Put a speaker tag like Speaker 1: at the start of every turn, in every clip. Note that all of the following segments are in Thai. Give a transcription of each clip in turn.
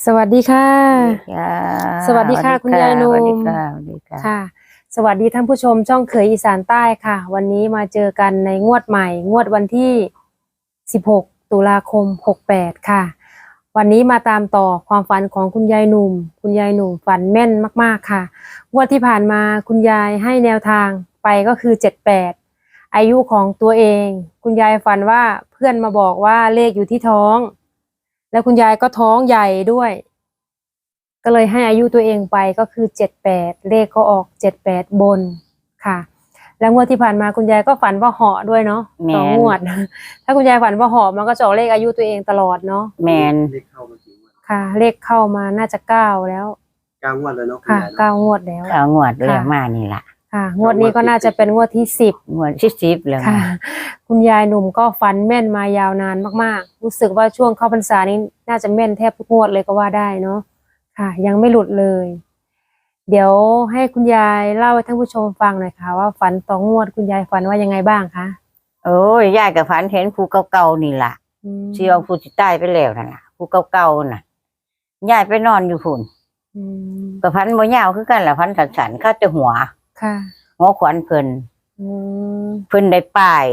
Speaker 1: สวัสดีค่ะสวัสดีค่ะคุณยายนุ่มค่ะสวัสดีท่านผู้ชมช่องเขยอีสานใต้ค่ะวันนี้มาเจอกันในงวดใหม่งวดวันที่16ตุลาคม68ค่ะวันนี้มาตามต่อความฝันของคุณยายนุ่มคุณยายนุ่มฝันแม่นมากๆค่ะงวดที่ผ่านมาคุณยายให้แนวทางไปก็คือ78อายุของตัวเองคุณยายฝันว่าเพื่อนมาบอกว่าเลขอยู่ที่ท้องแล้วคุณยายก็ท้องใหญ่ด้วยก็เลยให้อายุตัวเองไปก็คือ78เลขก็ออก78บนค่ะแล้วงวดที่ผ่านมาคุณยายก็ฝันว่าเหาะด้วยเนาะต่องวดถ้าคุณยายฝันว่าเหาะมันก็จะออกเลขอายุตัวเองตลอดเนาะ
Speaker 2: แมน
Speaker 1: เลขเข้ามากี่งวดค่ะเลขเข้ามาน่าจะ9แล้ว
Speaker 3: 9 งวดแล้วเนาะ
Speaker 1: ค่ะ9งวดแล้ว
Speaker 2: 9 งวดเรียกมานี่ล่ะ
Speaker 1: ค่ะงวดนี้ก็น่าจะเป็นงวดที่10
Speaker 2: งวดที่10แล้ว
Speaker 1: ค่ะคุณยายหนุ่มก็ฝันแม่นมายาวนานมากๆรู้สึกว่าช่วงเข้าพรรษานี้น่าจะแม่นแทบทุกงวดเลยก็ว่าได้เนาะค่ะยังไม่หลุดเลยเดี๋ยวให้คุณยายเล่าให้ท่านผู้ชมฟังหน่อยค่ะว่าฝันต่องวดคุณยายฝันว่ายังไงบ้างคะ
Speaker 2: โอ้ยยายก็ฝันเห็นผู้เก่าๆนี่ล่ะที่เอาผู้ที่ตายไปแล้วนั่นล่ะผู้เก่าๆน่ะยายไปนอนอยู่พุ่นก็ฝันบ่ยาวคือกันล่ะฝันสั้นๆเข้าแต่หัว
Speaker 1: ค่ะ
Speaker 2: หัวขวัญเพิ่นได้ป้าย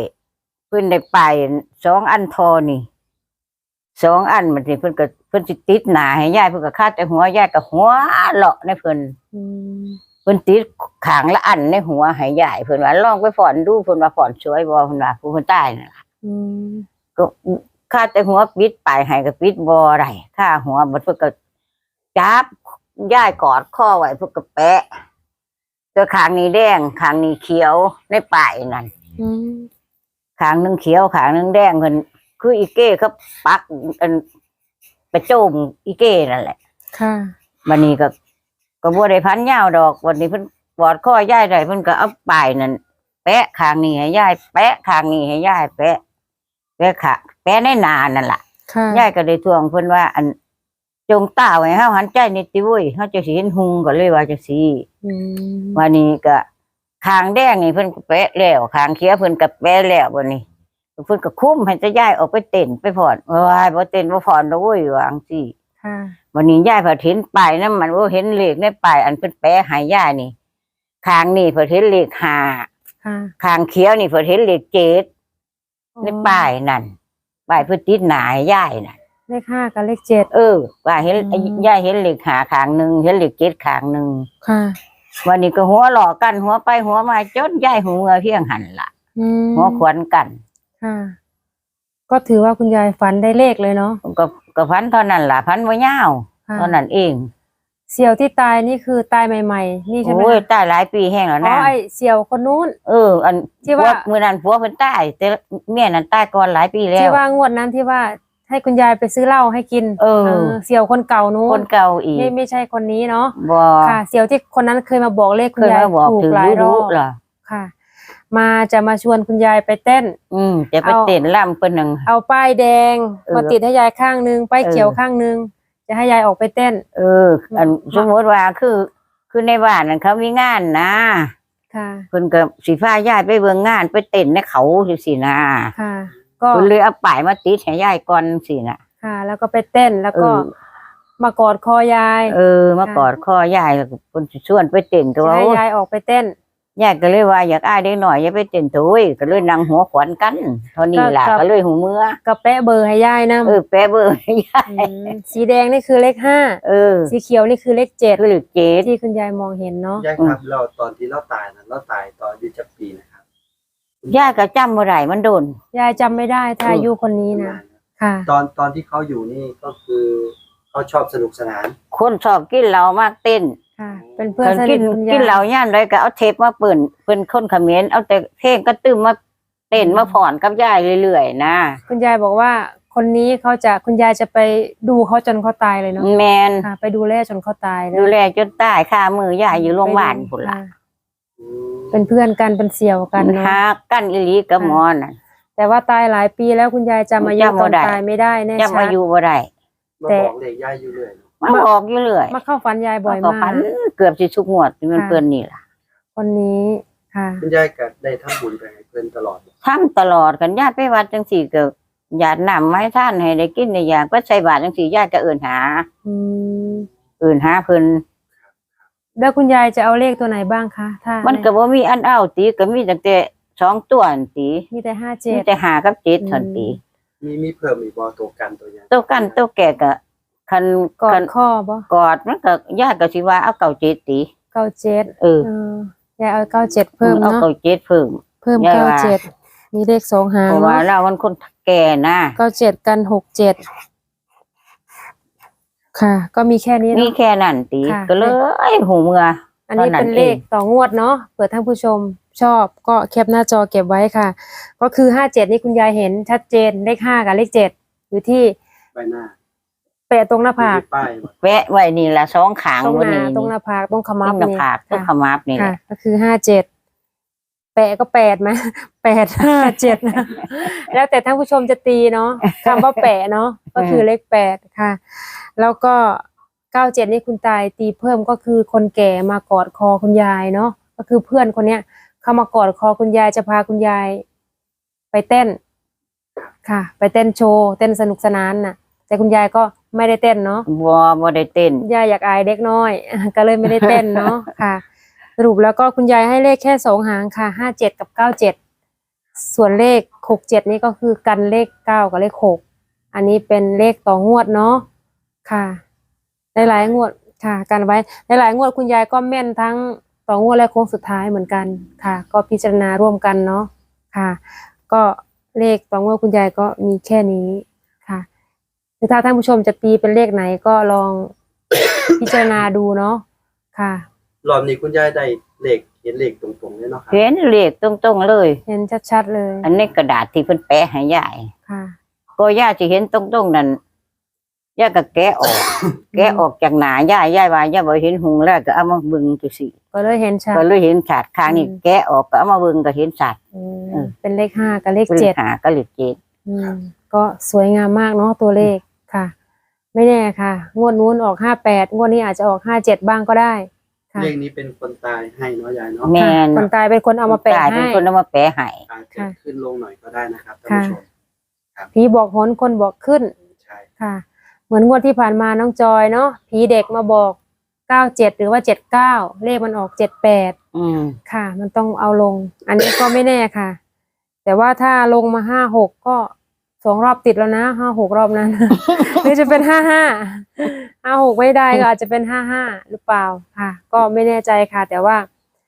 Speaker 2: 2 อันทอนี่2 อันมันสิเพิ่นสิติดหน้าให้ยายเพิ่นก็คาดแต่หัวยายก็หัวเลาะในเพิ่นติดขางละอันในหัวให้ยายเพิ่นว่าลองไปฝอนดูเพิ่นว่าฝอนสวยบ่เพิ่นว่าผู้เพิ่นตายนั่นล่ะก็คาดแต่หัวปิดปลายให้ก็ปิดบ่ได้ค่าหัวบัดเพิ่นก็จับยายกอดคอไว้เพิ่นก็แปะตัวขางนี้แดงขางนี้เขียวในปลายนั่นขางนึงเขียวขางนึงแดงเพิ่นคืออีเก้เขาปักอันไปโจมอีเก้นั่นแหละ
Speaker 1: ค่ะ
Speaker 2: วันนี้ก็บ่ได้พันยาวดอกวันนี้เพิ่นกอดคอยายได้เพิ่นก็เอาป้ายนั่นแปะข้างนี้ให้ยายแปะข้างนี้ให้ยายแปะค่ะแปะในหน้านั่นล่ะยายก็ได้ทวงเพิ่นว่าอันจงตาไว้เฮาหันใจนิดติเว้ยเฮาจะสิเห็นหุงก็เลยว่าจังซี่วันนี้ก็ข้างแดงนี่เพิ่นก็แปะแล้วข้างเขียวเพิ่นก็แปะแล้ววันนี้เพิ่นก็คุ้มให้จะย้ายออกไปเต้นไปผ่อนว้ายบ่เต้นบ่ผ่อนดอกเว้ยวาจังซี่
Speaker 1: ค่ะ
Speaker 2: วันนี้ย้ายเพิ่นเห็นป้ายนำมันว่าเห็นเลขในป้ายอันเพิ่นแปะให้ย้ายนี่ข้างนี่เพิ่นเห็นเลข5
Speaker 1: ค่ะ
Speaker 2: ข้างเขียวนี่เพิ่นเห็นเลข7ในป้ายนั่นป้ายเพิ่นติดหน้าให้ย้ายน่ะ
Speaker 1: เลข5กับเลข7
Speaker 2: ว่าเห็นย้ายเห็นเลข5ข้างนึงเห็นเลข7ข้างนึง
Speaker 1: ค่ะ
Speaker 2: วันนี้ก็หัวหลอกกันหัวไปหัวมาจนย้ายหูเงือเพียงหันล่ะหัวขวัญกัน
Speaker 1: ค่ะก็ถือว่าคุณยายฝันได้เลขเลยเนาะ
Speaker 2: ก็ฝันเท่านั้นล่ะฝันบ่ยาวเท่านั้นเอง
Speaker 1: เสี่ยวที่ตายนี่คือตายใหม่ๆนี่ใช่ไหม
Speaker 2: โอ้ยตายหลายปีแห้งแล้วนะ
Speaker 1: ไอ้เสี่ยวคนนู้น
Speaker 2: อันที่ว่ามื้อนั้นผัวเพิ่นตายแต่เมียนั้นตายก่อนหลายปีแล้ว
Speaker 1: ที่ว่างวดนั้นที่ว่าให้คุณยายไปซื้อเหล้าให้กินเสี่ยวคนเก่านู้น
Speaker 2: คนเก่าอีก
Speaker 1: ไม่ใช่คนนี้เนาะ
Speaker 2: บ่
Speaker 1: ค่ะเสี่ยวที่คนนั้นเคยมาบอกเลขคุณยายถูกหลายรอบค่ะจะมาชวนคุณยายไปเต้น
Speaker 2: จะไปเต้นล่ำเพิ่นนึง
Speaker 1: เอาป้ายแดงมาติดให้ยายข้างนึงป้ายเขียวข้างนึงจะให้ยายออกไปเต้น
Speaker 2: อันสมมติว่าคือในบ้านนั้นเขามีงานนะ
Speaker 1: ค่ะ
Speaker 2: เพิ่นก็สิพายายไปเบิ่งงานไปเต้นในเขาจังซี่นะ
Speaker 1: ค่ะก็
Speaker 2: เพิ่นเลยเอาป้ายมาติดให้ยายก่อนสิน่ะ
Speaker 1: ค่ะแล้วก็ไปเต้นแล้วก็มากอดคอยาย
Speaker 2: มากอดคอยายแล้วเพิ่นสิชวนไปเต้นก็
Speaker 1: ให้ยายออกไปเต้น
Speaker 2: ยายก็เลยว่าอยากอ้ายเด็กหน่อยอย่าไปเต้นโถยก็เลยนั่งหัวขวัญกันเท่านี้ล่ะก็เลยหูเมื่อ
Speaker 1: ก็แปะเบอร์ให้ยายนำ
Speaker 2: แปะเบอร์ให้ยาย
Speaker 1: สีแดงนี่คือเลข5สีเขียวนี่คือเลข7
Speaker 2: คือเลข7
Speaker 1: ที่คุณยายมองเห็นเนาะ
Speaker 3: ยายครับเราตอนที่เราตายนั้นเราตายตอนอายุจักปีนะครับ
Speaker 2: ยายก็จำบ่ได้มันโดน
Speaker 1: ยายจำไม่ได้ถ้าอายุคนนี้นะค่ะ
Speaker 3: ตอนที่เขาอยู่นี่ก็คือเขาชอบสนุกสนาน
Speaker 2: คนชอบกินเหล้ามากเต้น
Speaker 1: เป็นเพื่อนสนิทคุณยาย
Speaker 2: กินเหล้าย่านไรก็เอาเทปมาเปิ่นคนเขมรเอาแต่เพลงก็ตื้มมาเต้นมาผ่อนกับยายเรื่อยๆนะ
Speaker 1: คุณยายบอกว่าคนนี้คุณยายจะไปดูเขาจนเขาตายเลยเนาะ
Speaker 2: แมน
Speaker 1: ไปดูแลจนเขาตาย
Speaker 2: ดูแลจนตายค่ามือยายอยู่โรงพยาบาลพุ่นล่ะ
Speaker 1: เป็นเพื่อนกันเป็นเสี่ยวกัน
Speaker 2: เนาะฮักกันอีหลีกับหมอน่ะ
Speaker 1: แต่ว่าตายหลายปีแล้วคุณยายจำอายุตอนตายไม่ได้แน่ชัด
Speaker 2: จำอายุบ่ได้
Speaker 3: แต่บอกเลยยายอยู่เลย
Speaker 2: มาบอกอยู่เลย
Speaker 1: มาเข้าฝันยายบ่อยมาก
Speaker 2: เกือบสิทุกงวดมันเพิ่นนี่ล่ะ
Speaker 1: คนนี้ค่ะ
Speaker 3: คุณยายก็ได้ทำบุญไปให้เพิ่นตลอด
Speaker 2: ทำตลอดกันญาติไปวัดจังซี่ก็หยาดน้ำไม้ท่านให้ได้กินได้อยากก็ใส่บาตรจังซี่ยายก็เอิ้นหา
Speaker 1: อืม
Speaker 2: เอิ้นหาเพิ่น
Speaker 1: แล้วคุณยายจะเอาเลขตัวไหนบ้างคะถ้า
Speaker 2: มันก็บ่มีอันเอาติก็มีตั้งแต่2ตัวนั่นติ
Speaker 1: มีแต่ห้า
Speaker 2: มี
Speaker 1: เจ็ด
Speaker 2: แต่5กับ7เท่านั้นติ
Speaker 3: มีเพิ่มอีกบ่ตัวกันตัวอย่าง
Speaker 2: ตัวกันตัวแก่ก็คัน
Speaker 1: กอ
Speaker 2: คั
Speaker 1: ด
Speaker 2: น
Speaker 1: ข้อบ่
Speaker 2: กอดมันก็ยากก็สิว่าเอาเก่า7ติ
Speaker 1: เก้าเจ็ด
Speaker 2: เออ
Speaker 1: ยายเอาเก้าเจ็ดเพิ่ม
Speaker 2: เอา
Speaker 1: เนาะ
Speaker 2: เก่า7เพิ่ม
Speaker 1: เพิ่ม
Speaker 2: ยาย
Speaker 1: เก้า
Speaker 2: ว่า
Speaker 1: เจ็ดมีเลขสองหาง
Speaker 2: เพราะว่า
Speaker 1: เนาะ
Speaker 2: เรามันคนแก่นะ
Speaker 1: เก้าเจ็ดกัน6 7ค่ะ ก็มีแค่นี้
Speaker 2: มี
Speaker 1: เนาะ
Speaker 2: แค่นั้นติ
Speaker 1: ค่ะ
Speaker 2: ก็เลยหูเมื่อ
Speaker 1: อันนี้
Speaker 2: ตอนนั้น
Speaker 1: เป็นเลขต่องวดเนาะเผื่อท่านผู้ชมชอบก็แคปหน้าจอเก็บไว้ค่ะ ก็คือ57นี่คุณยายเห็นชัดเจนเลข5กับเลข7อยู่ที่
Speaker 3: ใบหน้า
Speaker 1: แปะตรงหน้าผาก
Speaker 3: มีป้ายบ่
Speaker 2: แวะไว้นี่ละ2ขาง
Speaker 1: ตรง
Speaker 2: บน
Speaker 1: หน้า
Speaker 2: นี้
Speaker 1: ตรงหน้าผากตรงข
Speaker 2: ต
Speaker 1: มั
Speaker 2: ร
Speaker 1: บ
Speaker 2: งหน้า
Speaker 1: นี่
Speaker 2: ผากตรง
Speaker 1: ค่ะ
Speaker 2: ขมับนี่แห
Speaker 1: ค่ะ
Speaker 2: ละ
Speaker 1: ก็คือ57แปะก็8ไหม857นะแล้วแต่ท่านผู้ชมจะตีเนาะคำว่าแปะเนาะก็คือเลข8ค่ะ แล้วก็97นี่คุณตายตีเพิ่มก็คือคนแก่มากอดคอคุณยายเนาะก็คือเพื่อนคนเนี้ยเข้ามากอดคอคุณยายจะพาคุณยายไปเต้นค่ะ ไปเต้นโชว์เต้นสนุกสนานน่ะ แต่คุณยายก็ไม่ได้เต้นเนาะ
Speaker 2: บ่ได้เต้น
Speaker 1: ยายอยากอายเด็กน้อย ก็เลยไม่ได้เต้นเนาะ ค่ะ สรุปแล้วก็คุณยายให้เลขแค่2 หางค่ะ57กับ97ส่วนเลข67นี่ก็คือกันเลข9กับเลข6อันนี้เป็นเลขต่องวดเนาะค่ะหลายๆงวดค่ะกันไว้หลายๆงวดคุณยายก็แม่นทั้งต่องวดและโค้งสุดท้ายเหมือนกันค่ะ ก็พิจารณาร่วมกันเนาะค่ะ ก็เลขต่องวดคุณยายก็มีแค่นี้ค่ะหรือถ้าท่านผู้ชมจะตีเป็นเลขไหนก็ลอง พิจารณาดูเนาะค่ะ
Speaker 3: รอบนี้คุณยายได้เลขเห็นเลขตรงๆเลยเนาะครับ
Speaker 2: เห็นเลขตรงๆเลย
Speaker 1: เห็นชัดๆเลย
Speaker 2: อันนี้กระดาษที่เพิ่นแปะให้ยาย
Speaker 1: ค่ะ
Speaker 2: ก็ย่าสิเห็นตรงๆนั่นย่าก็แกะออก แกะออกจากหน้ายายว่าย่าบ่เห็นหุงแล้วก็เอามาเบิ่งจังซี่
Speaker 1: ก็เลยเห็นชัด
Speaker 2: ก็เลยเห็นชัดข้างนี้
Speaker 1: อืม
Speaker 2: แกะออกก็เอามาเบิ่งก็เห็นชัด
Speaker 1: เป็นเลข5กับเลข
Speaker 2: เป็น
Speaker 1: 7
Speaker 2: หาก็เลข7
Speaker 1: ก็สวยงามมากเนาะตัวเลขค่ะ ไม่แน่ค่ะ งวดนู้นออก58งวดนี้อาจจะออก57บ้างก็ได้ค่ะ
Speaker 3: เลขนี้เป็นคนตายให้เนาะยายเนาะ
Speaker 2: แม่น
Speaker 1: คนตายเป็นคนเอามาแปะ
Speaker 2: ตายเป็น
Speaker 1: ให้
Speaker 2: คนเอามาแปะให้
Speaker 3: อาจจะ
Speaker 1: ค่ะ
Speaker 3: ขึ้นลงหน่อยก็ได้นะครับท่านผู้ชม
Speaker 1: ผีบอกหนคนบอกขึ้น
Speaker 3: ใช่
Speaker 1: ค่ะ เหมือนงวดที่ผ่านมาน้องจอยเนาะผีเด็กมาบอก97หรือว่า79เลขมันออก78
Speaker 2: อืม
Speaker 1: ค่ะ มันต้องเอาลง อันนี้ก็ไม่แน่ค่ะ แต่ว่าถ้าลงมา56ก็2 รอบติดแล้วนะ56รอบนั้น หรือจะเป็น55ไม่ได้ก็อาจจะเป็น55หรือเปล่าค่ะ ก็ไม่แน่ใจค่ะ แต่ว่า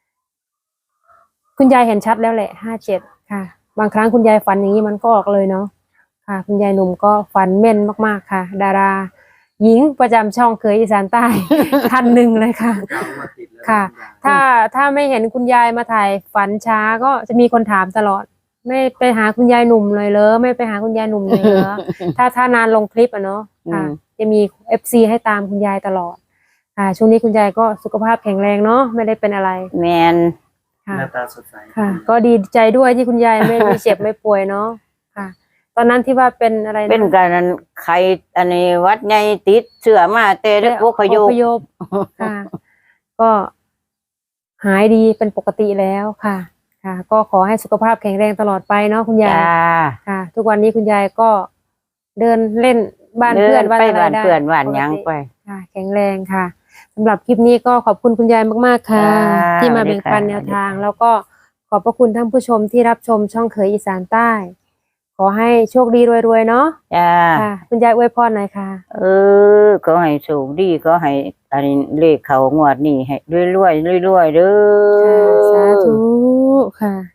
Speaker 1: คุณยายเห็นชัดแล้วแหละ57ค่ะ บางครั้งคุณยายฝันอย่างนี้มันก็ออกเลยเนาะค่ะ คุณยายหนุ่มก็ฝันแม่นมากๆค่ะ ดารา หญิงประจำช่องเคยอีสานใต้ ท่านหนึ่งเลยค่ะ
Speaker 3: เก้ามาติดแล้ว
Speaker 1: ค่ะ
Speaker 3: ณยาย
Speaker 1: ถ้าไม่เห็นคุณยายมาถ่ายฝันช้าก็จะมีคนถามตลอด ไม่ไปหาคุณยายหนุ่มเลยเหรอไม่ไปหาคุณยายหนุ่มเลยเหรอ ถ้านานลงคลิปอะเนาะค่ะ จะมี FC ให้ตามคุณยายตลอดค่ะ ช่วงนี้คุณยายก็สุขภาพแข็งแรงเนาะไม่ได้เป็นอะไร
Speaker 2: แม่น
Speaker 1: ค่ะ
Speaker 3: หน้าตาสดใส
Speaker 1: ค่ะ ก็ดีใจด้วยที่คุณยายไม่เจ็บไม่ป่วยเนาะค่ะ ตอนนั้นที่ว่าเป็นอะไรนะ
Speaker 2: เป็นการนั้นใครอันนี้วัดใหญ่ติดเชื้อมาแต่เด็กพวกขย
Speaker 1: อพยพค่ะ ก็หายดีเป็นปกติแล้วค่ะ ค่ะ ก็ขอให้สุขภาพแข็งแรงตลอดไปเนาะคุณยาย
Speaker 2: จ้า
Speaker 1: ค่ะ ทุกวันนี้คุณยายก็เดินเล่นบ้าน
Speaker 2: เดิ
Speaker 1: เพื่อน
Speaker 2: น
Speaker 1: บ้าน
Speaker 2: ไป
Speaker 1: อะไร
Speaker 2: บ้าน
Speaker 1: ได้
Speaker 2: เพื่อนบ้านหยัง
Speaker 1: ปกติ
Speaker 2: ไป
Speaker 1: ค่ะ แข็งแรงค่ะสำหรับคลิปนี้ก็ขอบคุณคุณยายมากๆค่ะ
Speaker 2: จ้า
Speaker 1: ที่มาแบ่งปัน
Speaker 2: สวัสดีค่ะ
Speaker 1: แนวทาง แล้วก็ขอบพระคุณท่านผู้ชมที่รับชมช่องเขยอีสานใต้ ขอให้โชคดีรวยๆเนาะ
Speaker 2: จ้า
Speaker 1: ค่ะ คุณยายอวยพรหน่อยค่ะ
Speaker 2: ก็ให้โชคดีก็ให้อันนี้เลขเขางวดนี้ให้รวยๆรวยๆเด้
Speaker 1: ค่ะ
Speaker 2: อ
Speaker 1: สาธุค่ะ